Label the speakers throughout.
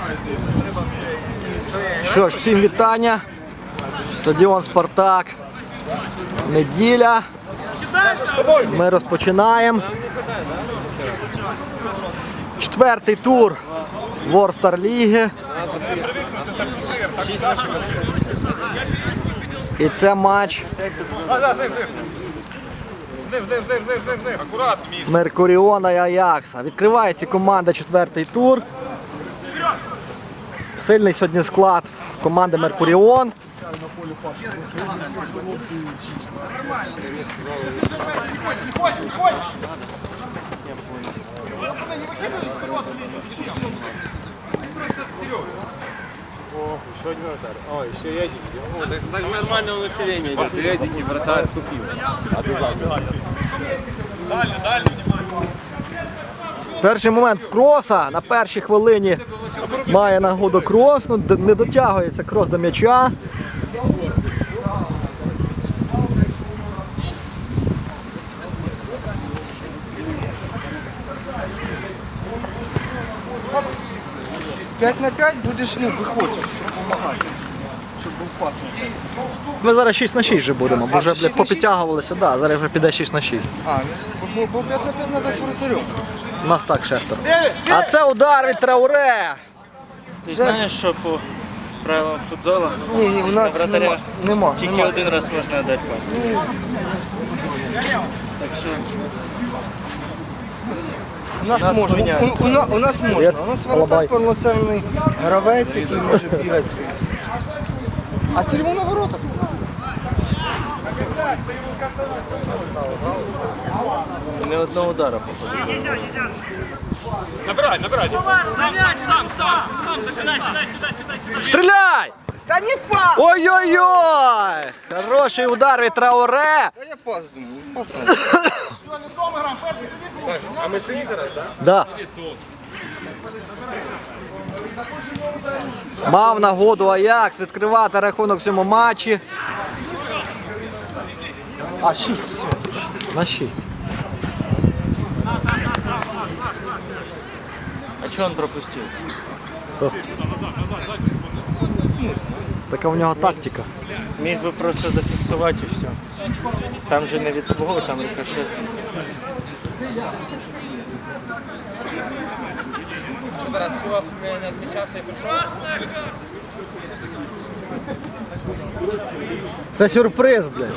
Speaker 1: Що ж, всім вітання. Стадіон «Спартак». Неділя. Ми розпочинаємо. 4-й тур Ворстар Ліги. І це матч Меркуріона і Аякса. Відкривається команда 4-й тур. Сильний сьогодні склад команди Меркуріон.
Speaker 2: Ой, еще и Эдик. Так нормального населения идет. И Эдик, и вратарь купил. Дальше,
Speaker 1: Перший момент в Кроса. На першій хвилині має нагоду Крос. Ну, не дотягується Крос до м'яча.
Speaker 3: П'ять на 5 будеш, виходиш, щоб допомагати, щоб був пасний.
Speaker 1: Ми зараз 6 на 6 вже будемо, бо вже
Speaker 3: 6 на 6?
Speaker 1: попідтягувалися. Да, зараз вже піде 6 на 6.
Speaker 3: Бо 5 на 5 треба з вратарем.
Speaker 1: У нас так шестеро. А це удар від Трауре.
Speaker 4: Ти знаєш, що по правилам футзолу
Speaker 3: Ні, у нас
Speaker 4: вратаря
Speaker 3: нема.
Speaker 4: тільки один раз можна дати пас. Так що
Speaker 3: У нас
Speaker 4: Нас
Speaker 3: можна.
Speaker 4: міняють.
Speaker 3: У нас можна. У нас
Speaker 1: Алабай.
Speaker 3: воротар повноцінний гравець, який може бігати скрізь. А цільмо на воротах.
Speaker 4: не одного удара походу.
Speaker 2: Набирай.
Speaker 1: Стріляй!
Speaker 3: Та не пас!
Speaker 1: Ой-ой-ой! Хороший удар від Трауре.
Speaker 3: Та я пас думаю, пас не.
Speaker 2: А мы синий раз, да?
Speaker 1: Да. Мав нагоду Аякс відкривати рахунок в цьому матчі. А 6. На 6.
Speaker 4: А чого він пропустив?
Speaker 1: Така в нього тактика.
Speaker 4: Міг би просто зафіксувати і все. Там же не від свого, там рикошет.
Speaker 2: Что-то раз Сила не отмечался и пришел.
Speaker 1: Це сюрприз, блядь.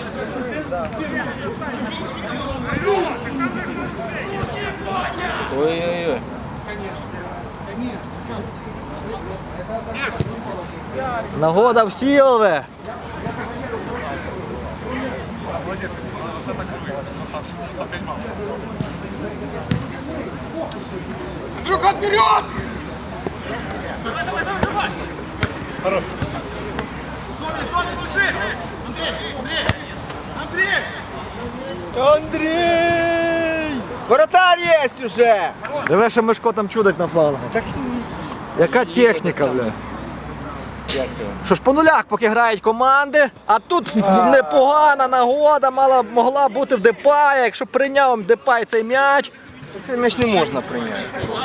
Speaker 4: Ой-ой-ой.
Speaker 1: Нагода в Сілве.
Speaker 2: Друга, вперед!
Speaker 3: Андрій! Воротар є уже!
Speaker 1: Диви, що Мишко там чудить на флангу.
Speaker 3: Так
Speaker 1: Яка техніка, блядь.
Speaker 4: Дякую.
Speaker 1: Що ж, по нулях поки грають команди, а тут непогана нагода могла бути в Депая, якщо прийняв Депай цей м'яч.
Speaker 3: цей м'яч не можна прийняти.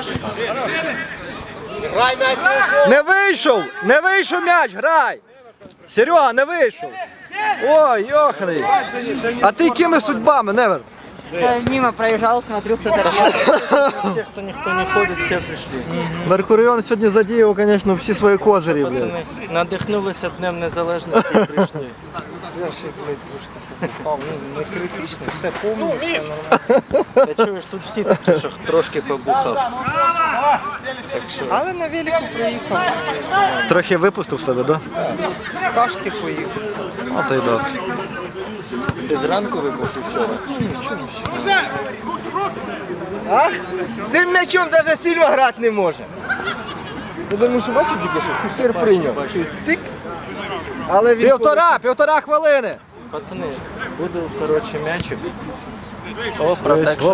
Speaker 1: Не вийшов м'яч, грай! Серега, не вийшов. Ой, йоханий. А ти якими судьбами, Невер?
Speaker 5: Мимо проезжал, смотрю, кто-то
Speaker 4: Всі, хто ніхто не ходить, всі прийшли.
Speaker 1: Меркуріон сьогодні задіяв, звісно, всі свої козирі, блядь.
Speaker 4: Пацани надихнулися Днем Незалежності і прийшли.
Speaker 3: Я ще трошки попав, не критично, все повно, все нормально.
Speaker 4: Та чуєш, тут всі такі, що трошки побухав.
Speaker 3: Але на велику приїхав,
Speaker 1: Трохи випустив себе, да?
Speaker 3: кашки поїв.
Speaker 1: От і добре.
Speaker 4: Ти зранку вибух вчора?
Speaker 3: Ах, цим м'ячом навіть Сільва грати не може. Я думаю, що бачив тільки, що хер прийняв. Тик. Але він
Speaker 1: Півтора хвилини.
Speaker 4: Пацани, буду, коротше, м'ячик. О, протекшн.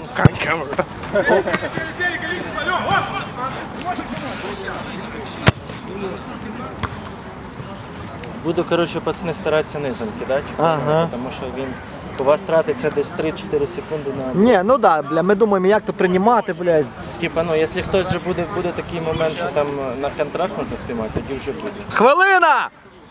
Speaker 4: Буду, коротше, пацани, старатися низом кидати,
Speaker 1: Ага.
Speaker 4: тому що він У вас тратиться десь 3-4 секунди на...
Speaker 1: Ні, ну да, бля, ми думаємо, як то приймати, блядь.
Speaker 4: Типа, ну, якщо хтось вже буде такий момент, що там на контракт можна спіймати, тоді вже буде.
Speaker 1: Хвилина!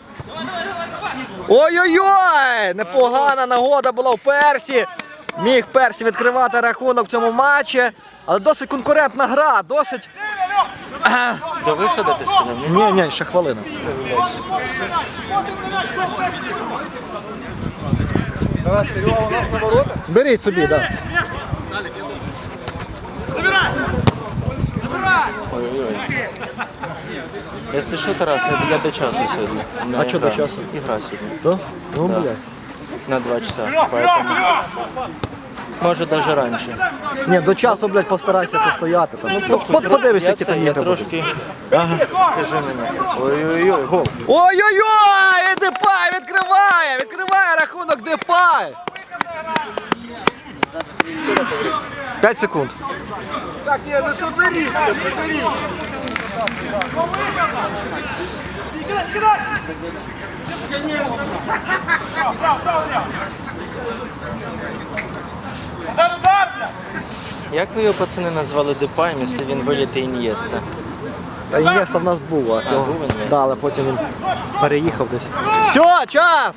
Speaker 1: Ой-ой-ой! Непогана нагода була у Персі. Міг Персі відкривати рахунок в цьому матчі. Але досить конкурентна гра, досить...
Speaker 4: До виходу ти сказав? Ні?
Speaker 1: Ні, ще хвилина.
Speaker 3: Тарас, Серега у нас на воротах.
Speaker 1: Беріть собі, так. Да.
Speaker 4: Ой-ой-ой. Якщо що, Тарас, я до часу сьогодні. У мене
Speaker 1: А що до
Speaker 4: ігра.
Speaker 1: часу?
Speaker 4: Ігра сьогодні.
Speaker 1: То? Ну,
Speaker 4: Да.
Speaker 1: блядь.
Speaker 4: На 2 часа. Поэтому... Може, навіть раніше.
Speaker 1: Ні, до часу, блядь, постарайся постояти. Там. Ну, подивися, які там
Speaker 4: я
Speaker 1: ігри будуть.
Speaker 4: трошки... Ага. Скажи мені. Ой-ой-ой, гол.
Speaker 1: Ой-ой-ой! І Депай відкриває! Відкриває рахунок Депай! 5 секунд.
Speaker 3: Так, ні, ну соберіться, соберіться.
Speaker 4: Як ви його, пацани, назвали Депаєм, якщо він виліти Ін'єста?
Speaker 1: Та Інєста в нас був, а цього.
Speaker 4: був Ін'єста.
Speaker 1: Да, але потім він переїхав десь. Все, час!